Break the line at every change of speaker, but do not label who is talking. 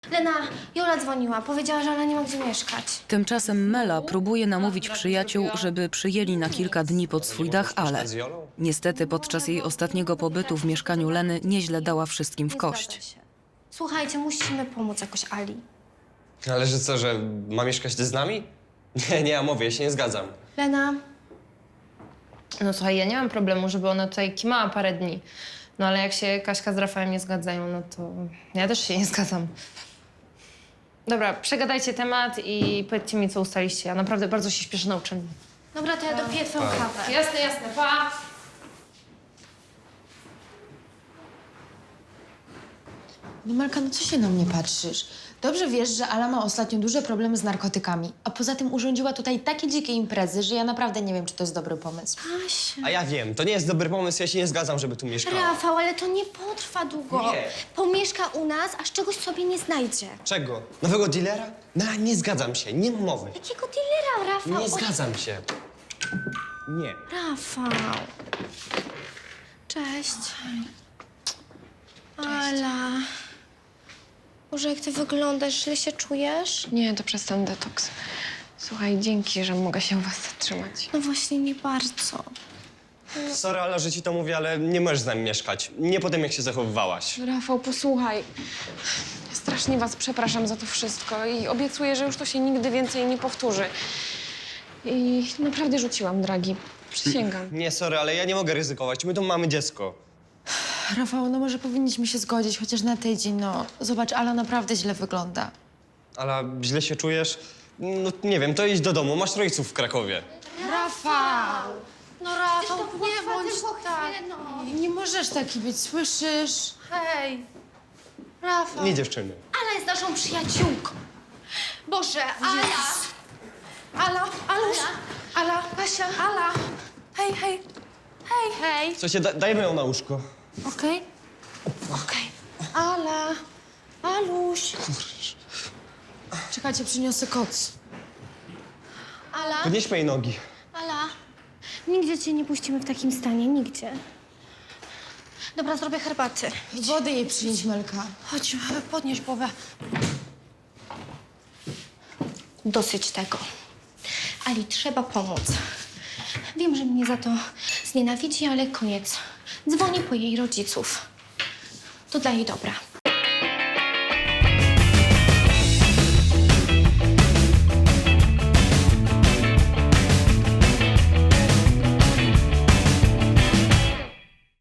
Lena, Jola dzwoniła. Powiedziała, że Ala nie ma gdzie mieszkać.
Tymczasem Mela próbuje namówić przyjaciół, żeby przyjęli na kilka dni pod swój dach Ale. Niestety podczas jej ostatniego pobytu w mieszkaniu Leny nieźle dała wszystkim w
Nie
kość.
zgadza się. Słuchajcie, musimy pomóc jakoś Ali.
Ale że co, że ma mieszkać ty z nami? Nie, ja mówię, ja się nie zgadzam.
Lena,
No słuchaj, ja nie mam problemu, żeby ona tutaj kimała parę dni. No ale jak się Kaśka z Rafałem nie zgadzają, no to ja też się nie zgadzam. Dobra, przegadajcie temat i powiedzcie mi, co ustaliście. Ja naprawdę bardzo się śpieszę na uczelni.
dobra, to ja dopiję twoją kawę.
Jasne, pa!
No Melka, no co się na mnie patrzysz? Dobrze wiesz, że Ala ma ostatnio duże problemy z narkotykami, a poza tym urządziła tutaj takie dzikie imprezy, że ja naprawdę nie wiem, czy to jest dobry pomysł.
Asia.
A ja wiem, to nie jest dobry pomysł, ja się nie zgadzam, żeby tu mieszkała.
Rafał, ale to nie potrwa długo.
Nie.
Pomieszka u nas, aż czegoś sobie nie znajdzie.
Czego? Nowego dealera? No, nie zgadzam się, nie ma mowy.
Jakiego dealera, Rafał?
Nie zgadzam się. Nie.
Rafał. Cześć. Ala. Boże, jak ty wyglądasz, źle się czujesz?
Nie, to przez ten detoks. Słuchaj, dzięki, że mogę się u was zatrzymać.
No właśnie, nie bardzo.
Sorry, ale że ci to mówię, ale nie możesz z nami mieszkać. Nie po tym, jak się zachowywałaś.
Rafał, posłuchaj. Ja strasznie was przepraszam za to wszystko i obiecuję, że już to się nigdy więcej nie powtórzy. I naprawdę rzuciłam dragi. Przysięgam.
Nie, sorry, ale ja nie mogę ryzykować. My tu mamy dziecko.
Rafał, no może powinniśmy się zgodzić chociaż na tydzień, no. Zobacz, Ala naprawdę źle wygląda.
Ale źle się czujesz? No nie wiem, to idź do domu. Masz rodziców w Krakowie.
Rafał!
No Rafał, nie bądź tak.
Nie możesz taki być, słyszysz?
Hej. Rafał.
Nie, dziewczyny.
Ala jest naszą przyjaciółką. Boże, Ala. Ala, Aluś. Ala, Kasia. Ala. Hej, hej. Hej. Hej.
Słuchajcie, dajmy ją na łóżko.
Okej. Okej. Ala. Aluś.
Czekajcie, przyniosę koc.
Ala.
Podnieśmy jej nogi.
Ala. Nigdzie cię nie puścimy w takim stanie, nigdzie. Dobra, zrobię herbaty.
Wody jej przynieść, Melka.
Chodź, podnieś głowę. Dosyć tego. Ali, trzeba pomóc. Wiem, że mnie za to znienawidzi, ale koniec. Dzwonię po jej rodziców. To dla jej dobra.